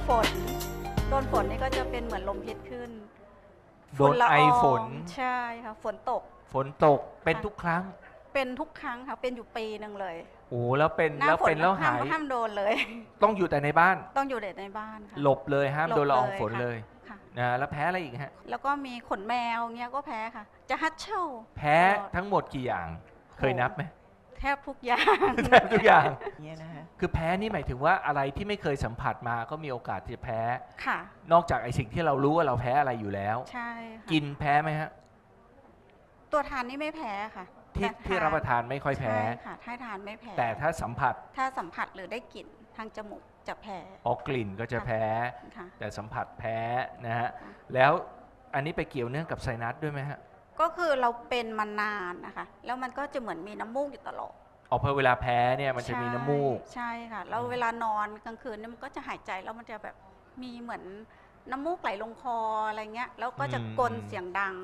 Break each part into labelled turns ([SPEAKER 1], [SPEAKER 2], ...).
[SPEAKER 1] ฝนนี่ก็จะเป็นเหมือนลมพิษขึ้น
[SPEAKER 2] โดนไอฝน
[SPEAKER 1] ใช่ค่ะฝนตก
[SPEAKER 2] ฝนตกเป็นทุกครั้ง
[SPEAKER 1] เป็นทุกครั้งค่ะเป็นอยู่ปีหนึ่งเลย
[SPEAKER 2] โอ้แล้วเป็น
[SPEAKER 1] หน้า
[SPEAKER 2] แล้ว
[SPEAKER 1] ฝน
[SPEAKER 2] เป็นแล้วหาย
[SPEAKER 1] ห้ามโดนเลย
[SPEAKER 2] ต้องอยู่แต่ในบ้าน
[SPEAKER 1] ต้องอยู่แต่ในบ้านค่ะ
[SPEAKER 2] หลบเลยห้ามโดนละอองฝน
[SPEAKER 1] ค่ะ
[SPEAKER 2] เลย
[SPEAKER 1] ค่ะ
[SPEAKER 2] นะแล้วแพ้อะไรอีกฮะ
[SPEAKER 1] แล้วก็มีขนแมวเงี้ยก็แพ้ค่ะ จะฮัตเช่า
[SPEAKER 2] แพ้
[SPEAKER 1] ตลอด
[SPEAKER 2] ทั้งหมดกี่อย่าง เคยนับไหม
[SPEAKER 1] แทบทุกอย่าง
[SPEAKER 2] แทบทุกอย่าง
[SPEAKER 3] เนี่ยนะฮะ
[SPEAKER 2] คือแพ้นี่หมายถึงว่าอะไรที่ไม่เคยสัมผัสมาก็มีโอกาสที่จะแพ้
[SPEAKER 1] ค่ะ
[SPEAKER 2] นอกจากไอสิ่งที่เรารู้ว่าเราแพ้อะไรอยู่แล้ว
[SPEAKER 1] ใช่ค่ะ
[SPEAKER 2] กินแพ้ไหมฮะ
[SPEAKER 1] ตัวทานนี่ไม่แพ้ค่ะ
[SPEAKER 2] ที่
[SPEAKER 1] แต่
[SPEAKER 2] ที่รับประทานไม่ค่อยแพ้
[SPEAKER 1] ใช่ค่ะถ้าทานไม่แพ้
[SPEAKER 2] แต่ถ้าสัมผัส
[SPEAKER 1] ถ้าสัมผัสหรือได้กลิ่นทางจมูกจะแพ้
[SPEAKER 2] ออกกลิ่นก็จะแพ้
[SPEAKER 1] ค่ะ
[SPEAKER 2] แต่สัมผัสแพ้นะฮะ
[SPEAKER 1] ค่ะ
[SPEAKER 2] แล้วอันนี้ไปเกี่ยวเนื่องกับไซนัสด้วยไหมฮะ
[SPEAKER 1] ก็คือเราเป็นมานานนะคะ แล้วมันก็จะเหมือนมีน้ำมูกอยู่ตลอด
[SPEAKER 2] ออกพอเวลาแพ้เนี่ยมันจะมีน้ำมูก
[SPEAKER 1] ใช่ค่ะแล้วเวลานอนกลางคืนเนี่ยมันก็จะหายใจแล้วมันจะแบบมีเหมือนน้ำมูกไหลลงคออะไรเงี้ยแล้วก็จะกลนเสียงดัง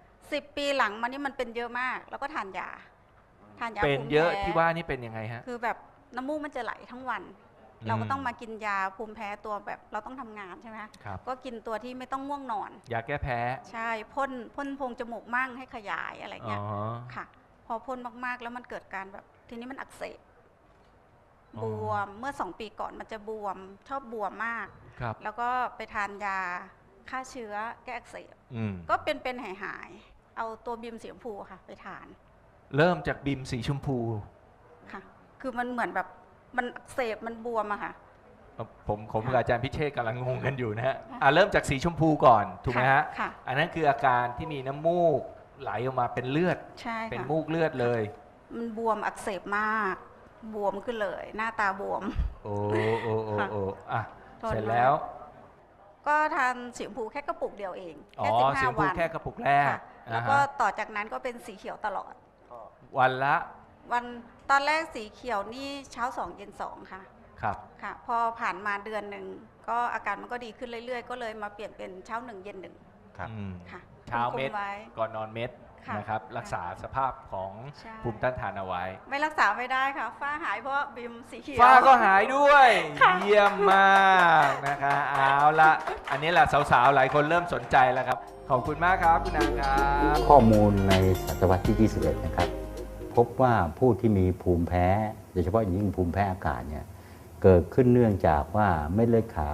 [SPEAKER 1] 10 ปีหลังมานี่มันเป็นเยอะมาก แล้วก็ทานยา
[SPEAKER 2] เป็น
[SPEAKER 1] ภูมิ
[SPEAKER 2] เยอะ
[SPEAKER 1] แพ้
[SPEAKER 2] ที่ว่านี่เป็นยังไงฮะ
[SPEAKER 1] คือแบบน้ำมูกมันจะไหลทั้งวัน
[SPEAKER 2] อืม
[SPEAKER 1] เราก็ต้องมากินยาภูมิแพ้ตัวแบบเราต้องทำงานใช่ไหมคะ
[SPEAKER 2] ครับ
[SPEAKER 1] ก็กินตัวที่ไม่ต้องง่วงนอน
[SPEAKER 2] ยาแก้แพ้
[SPEAKER 1] ใช่พ่นโพรงจมูกมั่งให้ขยายอะไร
[SPEAKER 2] อ๋อ
[SPEAKER 1] เงี้ยค่ะ พอพ่นมากๆแล้วมันเกิดการแบบทีนี้มันอักเสบบวมเมื่อ2 ปีก่อนมันจะบวมชอบบวมมาก
[SPEAKER 2] ครับ
[SPEAKER 1] แล้วก็ไปทานยาฆ่าเชื้อแก้อักเสบ
[SPEAKER 2] อืม
[SPEAKER 1] ก็เป็นหายๆเอาตัวบีมสีชมพูค่ะไปทาน
[SPEAKER 2] เริ่มจากบิมสีชมพู
[SPEAKER 1] ค่ะ คือมันเหมือนแบบมันอักเสบมันบวมอะค่ะ
[SPEAKER 2] ผมกับอาจารย์พิเชษกำลังงงกันอยู่นะฮะเริ่มจากสีชมพูก่อนถูกไหมฮะ
[SPEAKER 1] ค่ะ
[SPEAKER 2] อันนั้นคืออาการที่มีน้ำมูกไหลออกมาเป็นเลือด
[SPEAKER 1] ใช่
[SPEAKER 2] เป็น
[SPEAKER 1] ค่ะ
[SPEAKER 2] มูกเลือดเลย
[SPEAKER 1] มันบวมอักเสบมาก บวมขึ้นเลย หน้าตาบวม
[SPEAKER 2] โอ้โอ้โอ้โอ้อ่ะ
[SPEAKER 1] ทน
[SPEAKER 2] เสร็จแล้ว
[SPEAKER 1] ก็ทานสีชมพูแค่กระปุกเดียวเอง
[SPEAKER 2] อ๋อ
[SPEAKER 1] แค่
[SPEAKER 2] สีช
[SPEAKER 1] 15
[SPEAKER 2] มพู
[SPEAKER 1] วัน
[SPEAKER 2] แค่กระปุกแรก
[SPEAKER 1] ค่ะแล้วก็
[SPEAKER 2] อ่าฮะ
[SPEAKER 1] ต่อจากนั้นก็เป็นสีเขียวตลอด
[SPEAKER 2] วันละ
[SPEAKER 1] วันตอนแรกสีเขียวนี่เช้า2เย็น2ค่ะ
[SPEAKER 2] ครับ
[SPEAKER 1] ค่ะ พอผ่านมาเดือนหนึ่งก็อาการมันก็ดีขึ้นเรื่อยๆ ก็เลยมาเปลี่ยนเป็นเช้า1เย็น1
[SPEAKER 2] ครับ
[SPEAKER 1] ค่ะ
[SPEAKER 2] เช้าเม็ด
[SPEAKER 1] คุไว้
[SPEAKER 2] ก่อนนอนเม็ด
[SPEAKER 1] ค่ะ
[SPEAKER 2] นะครับ รักษาสภาพของ
[SPEAKER 1] ใช่
[SPEAKER 2] ภูมิต้านทานเอาไว้
[SPEAKER 1] ไม่รักษาไม่ได้ค่ะ ฝ้าหายเพราะบิมสีเขียว
[SPEAKER 2] ฝ้าก็หายด้วย
[SPEAKER 1] ค่ะ
[SPEAKER 2] เยี่ยมมากนะคะเอาละอันนี้แหละสาวๆ หลายคนเริ่มสนใจแล้วครับ ขอบคุณมากครับคุณนางครับ
[SPEAKER 4] ข้อมูลในศตวรรษที่ 21 นะครับ พบว่าผู้ที่มีภูมิแพ้ โดยเฉพาะอย่างยิ่งภูมิแพ้อากาศเนี่ยเกิดขึ้นเนื่องจากว่าเม็ดเลือดขาว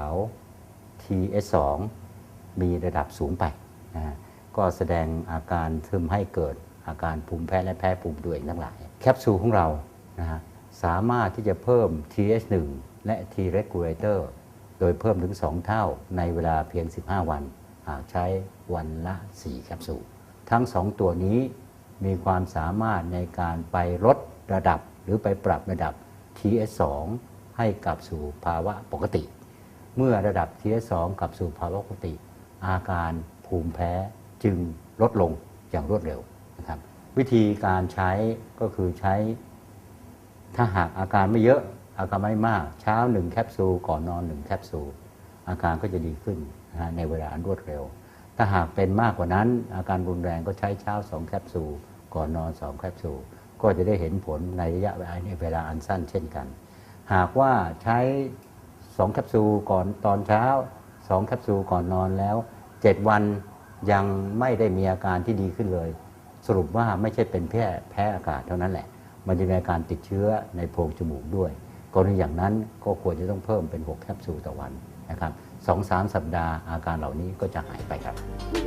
[SPEAKER 4] TS2 มีระดับสูงไปนะฮะก็แสดงอาการทึมให้เกิดอาการภูมิแพ้และแพ้ภูมิตัวเองทั้งหลาย แคปซูลของเรานะฮะสามารถที่จะเพิ่ม TH1 และ T regulator โดยเพิ่มถึง 2 เท่าในเวลาเพียง 15 วัน หากใช้วันละ 4 แคปซูล ทั้ง 2 ตัวนี้มีความสามารถในการไปลดระดับหรือไปปรับระดับ TS2 ให้กลับสู่ภาวะปกติ เมื่อระดับ TS2 กลับสู่ภาวะปกติ อาการภูมิแพ้จึงลดลงอย่างรวดเร็วนะครับ วิธีการใช้ก็คือใช้ ถ้าหากอาการไม่เยอะอาการไม่มากเช้า1แคปซูลก่อนนอน1แคปซูลอาการก็จะดีขึ้นนะฮะในเวลาอันรวดเร็ว ถ้าหากเป็นมากกว่านั้นอาการรุนแรงก็ใช้เช้า2แคปซูลก่อนนอน2แคปซูลก็จะได้เห็นผลในระยะเวลาอันสั้นเช่นกัน หากว่าใช้2แคปซูลก่อนตอนเช้า2แคปซูลก่อนนอนแล้ว7 วันยังไม่ได้มีอาการที่ดีขึ้นเลย สรุปว่าไม่ใช่เป็นแพ้อากาศเท่านั้นแหละ มันจะมีอาการติดเชื้อในโพรงจมูกด้วยกรณีอย่างนั้นก็ควรจะต้องเพิ่มเป็น6แคปซูลต่อวันนะครับ 2-3 สัปดาห์อาการเหล่านี้ก็จะหายไปครับ